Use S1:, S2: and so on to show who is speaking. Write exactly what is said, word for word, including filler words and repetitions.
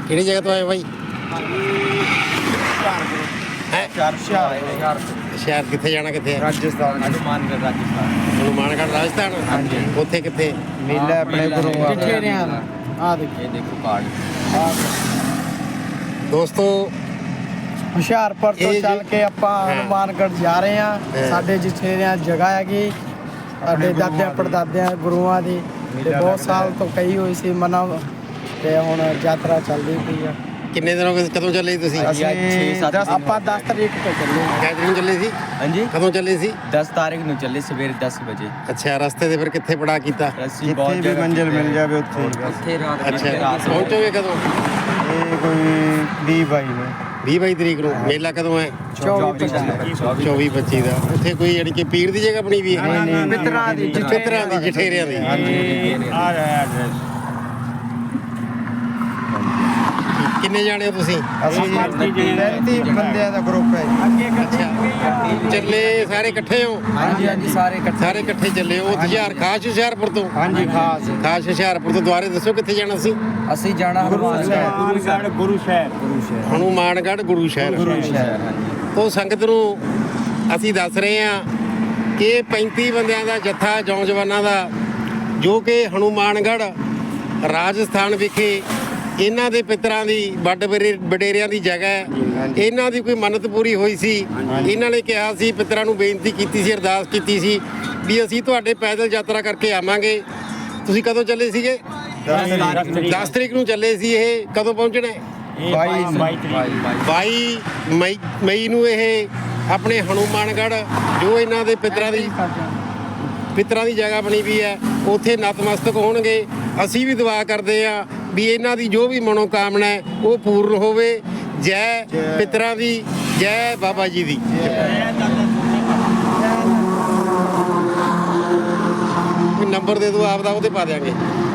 S1: ਕਿਹੜੀ ਜਗ੍ਹਾ ਤੋਂ ਆਏ ਬਾਈ? ਸ਼ਹਿਰ ਕਿੱਥੇ ਜਾਣਾ? ਕਿੱਥੇ ਹੈ?
S2: ਰਾਜਸਥਾਨ।
S3: ਹਨੂਮਾਨਗढ़ ਰਾਜਸਥਾਨ।
S1: ਹਨੂਮਾਨਗढ़ ਰਾਜਸਥਾਨ।
S2: ਹਾਂਜੀ।
S1: ਉੱਥੇ ਕਿੱਥੇ?
S2: ਮੇਲਾ ਆਪਣੇ ਗੁਰੂਆਂ ਦਾ।
S3: ਆ ਦੇਖੋ ਇਹ ਦੇਖੋ ਕਾਰਡ।
S1: ਦੋਸਤੋ
S4: ਹੁਸ਼ਿਆਰਪੁਰ ਤੋਂ
S1: ਇਹ
S4: ਚੱਲ
S1: ਜੋ-
S4: ਕੇ ਆਪਾਂ
S1: ਹਾਂ।
S4: ਹਨੂਮਾਨਗढ़ ਜਾ ਰਹੇ
S1: ਹਾਂ।
S4: ਹਾਂ। ਸਾਡੇ ਜਠੇਰਿਆਂ ਜਗ੍ਹਾ ਹੈਗੀ ਸਾਡੇ ਦਾਦਿਆਂ ਪੜਦਾਦਿਆਂ ਗੁਰੂਆਂ ਦੀ ਤੇ ਬਹੁਤ ਸਾਲ ਤੋਂ ਕਹੀ ਹੋਈ ਸੀ ਮਨਾ ਤੇ ਹੁਣ ਯਾਤਰਾ ਚੱਲਦੀ ਪਈ ਆ।
S1: ਕਿੰਨੇ ਦਿਨ ਹੋ ਗਏ? ਕਦੋਂ ਚੱਲੇ ਸੀ ਤੁਸੀਂ?
S3: ਅਸੀਂ ਅੱਜ ਛੇ ਸੱਤ ਦਿਨ
S4: ਆਪਾਂ ਦਸ ਤਰੀਕ ਤੋਂ ਚੱਲੇ
S1: ਕਿੰਨੇ ਦਿਨ ਚੱਲੇ ਸੀ?
S3: ਹਾਂਜੀ
S1: ਕਦੋਂ ਚੱਲੇ ਸੀ?
S3: ਦਸ ਤਾਰੀਖ ਨੂੰ ਚੱਲੇ ਸਵੇਰੇ ਦਸ ਵਜੇ।
S1: ਅੱਛਾ, ਰਸਤੇ ਦੇ ਫਿਰ ਕਿੱਥੇ ਪੜਾ ਕੀਤਾ?
S3: ਅਸੀਂ ਬਹੁਤ
S2: ਜਿੱਥੇ ਵੀ
S3: ਜਗ੍ਹਾ
S2: ਮੰਜ਼ਿਲ
S3: ਕੀਤੇ।
S2: ਮਿਲ ਜਾਵੇ ਉੱਥੇ ਹੀ ਬਸ।
S3: ਉੱਥੇ ਰਾਤ
S1: ਅੱਛਾ,
S3: ਰਾਤ ਨੂੰ
S1: ਪਹੁੰਚੋਗੇ ਕਦੋਂ?
S2: ਇਹ ਕੋਈ ਵੀਹ ਬਾਈ ਨੂੰ।
S1: ਵੀਹ ਬਾਈ ਤਰੀਕ ਨੂੰ। ਮੇਲਾ ਕਦੋਂ ਹੈ?
S4: ਚੌਵੀ
S1: ਚੌਵੀ ਪੱਚੀ ਦਾ। ਉੱਥੇ ਕੋਈ ਯਾਨੀ ਕਿ ਪੀਰ ਦੀ ਜਗ੍ਹਾ ਬਣੀ ਵੀ ਹੈ?
S4: ਮਿੱਤਰਾਂ ਦੀ
S1: ਪਿੱਤਰਾਂ ਦੀ, ਜਠੇਰਿਆਂ ਦੀ। ਕਿੰਨੇ ਜਾਣੇ ਹੋ ਤੁਸੀਂ?
S2: ਅਸੀਂ ਪੈਂਤੀ ਬੰਦਿਆਂ ਦਾ ਗਰੁੱਪ ਹੈ ਜੀ।
S1: ਅੱਛਾ, ਚੱਲੇ ਸਾਰੇ ਇਕੱਠੇ ਹੋ?
S3: ਹਾਂਜੀ ਹਾਂਜੀ ਸਾਰੇ ਇਕੱਠੇ।
S1: ਸਾਰੇ ਇਕੱਠੇ ਚੱਲੇ ਹੋ? ਹੁਸ਼ਿਆਰ ਖਾਸ ਹੁਸ਼ਿਆਰਪੁਰ ਤੋਂ?
S2: ਹਾਂਜੀ ਖਾਸ।
S1: ਖਾਸ ਹੁਸ਼ਿਆਰਪੁਰ ਤੋਂ। ਦੁਆਰੇ ਦੱਸੋ ਕਿੱਥੇ ਜਾਣਾ ਸੀ?
S3: ਅਸੀਂ ਜਾਣਾ ਹਨੂਮਾਨਗढ़
S2: ਗੁਰੂ ਸ਼ਹਿਰ।
S1: ਹਨੂਮਾਨਗढ़ ਗੁਰੂ ਸ਼ਹਿਰ।
S3: ਸ਼ਹਿਰ। ਹਾਂਜੀ
S1: ਉਹ ਸੰਗਤ ਨੂੰ ਅਸੀਂ ਦੱਸ ਰਹੇ ਹਾਂ ਕਿ ਪੈਂਤੀ ਬੰਦਿਆਂ ਦਾ ਜੱਥਾ ਨੌਜਵਾਨਾਂ ਦਾ ਜੋ ਕਿ ਹਨੂਮਾਨਗढ़ ਰਾਜਸਥਾਨ ਵਿਖੇ ਇਹਨਾਂ ਦੇ ਪਿੱਤਰਾਂ ਦੀ ਵੱਡ ਵਡੇਰੇ- ਵਡੇਰਿਆਂ ਦੀ ਜਗ੍ਹਾ ਹੈ। ਇਹਨਾਂ ਦੀ ਕੋਈ ਮੰਨਤ ਪੂਰੀ ਹੋਈ ਸੀ। ਇਹਨਾਂ ਨੇ ਕਿਹਾ ਸੀ, ਪਿੱਤਰਾਂ ਨੂੰ ਬੇਨਤੀ ਕੀਤੀ ਸੀ, ਅਰਦਾਸ ਕੀਤੀ ਸੀ ਵੀ ਅਸੀਂ ਤੁਹਾਡੇ ਪੈਦਲ ਯਾਤਰਾ ਕਰਕੇ ਆਵਾਂਗੇ। ਤੁਸੀਂ ਕਦੋਂ ਚੱਲੇ ਸੀਗੇ? ਦਸ ਤਰੀਕ ਨੂੰ ਚੱਲੇ ਸੀ। ਇਹ ਕਦੋਂ ਪਹੁੰਚਣਾ ਹੈ?
S2: ਬਾਈ
S1: ਬਾਈ ਮਈ ਮਈ ਨੂੰ ਇਹ ਆਪਣੇ ਹਨੂਮਾਨਗढ़ ਜੋ ਇਹਨਾਂ ਦੇ ਪਿੱਤਰਾਂ ਦੀ ਪਿੱਤਰਾਂ ਦੀ ਜਗ੍ਹਾ ਬਣੀ ਵੀ ਹੈ ਉੱਥੇ ਨਤਮਸਤਕ ਹੋਣਗੇ। ਅਸੀਂ ਵੀ ਦੁਆ ਕਰਦੇ ਹਾਂ ਵੀ ਇਹਨਾਂ ਦੀ ਜੋ ਵੀ ਮਨੋਕਾਮਨਾ ਹੈ ਉਹ ਪੂਰਨ ਹੋਵੇ। ਜੈ ਪਿੱਤਰਾਂ ਦੀ, ਜੈ ਬਾਬਾ ਜੀ ਦੀ। ਕੋਈ ਨੰਬਰ ਦੇ ਦਿਓ ਆਪਦਾ, ਉਹਦੇ ਪਾ ਦਿਆਂਗੇ।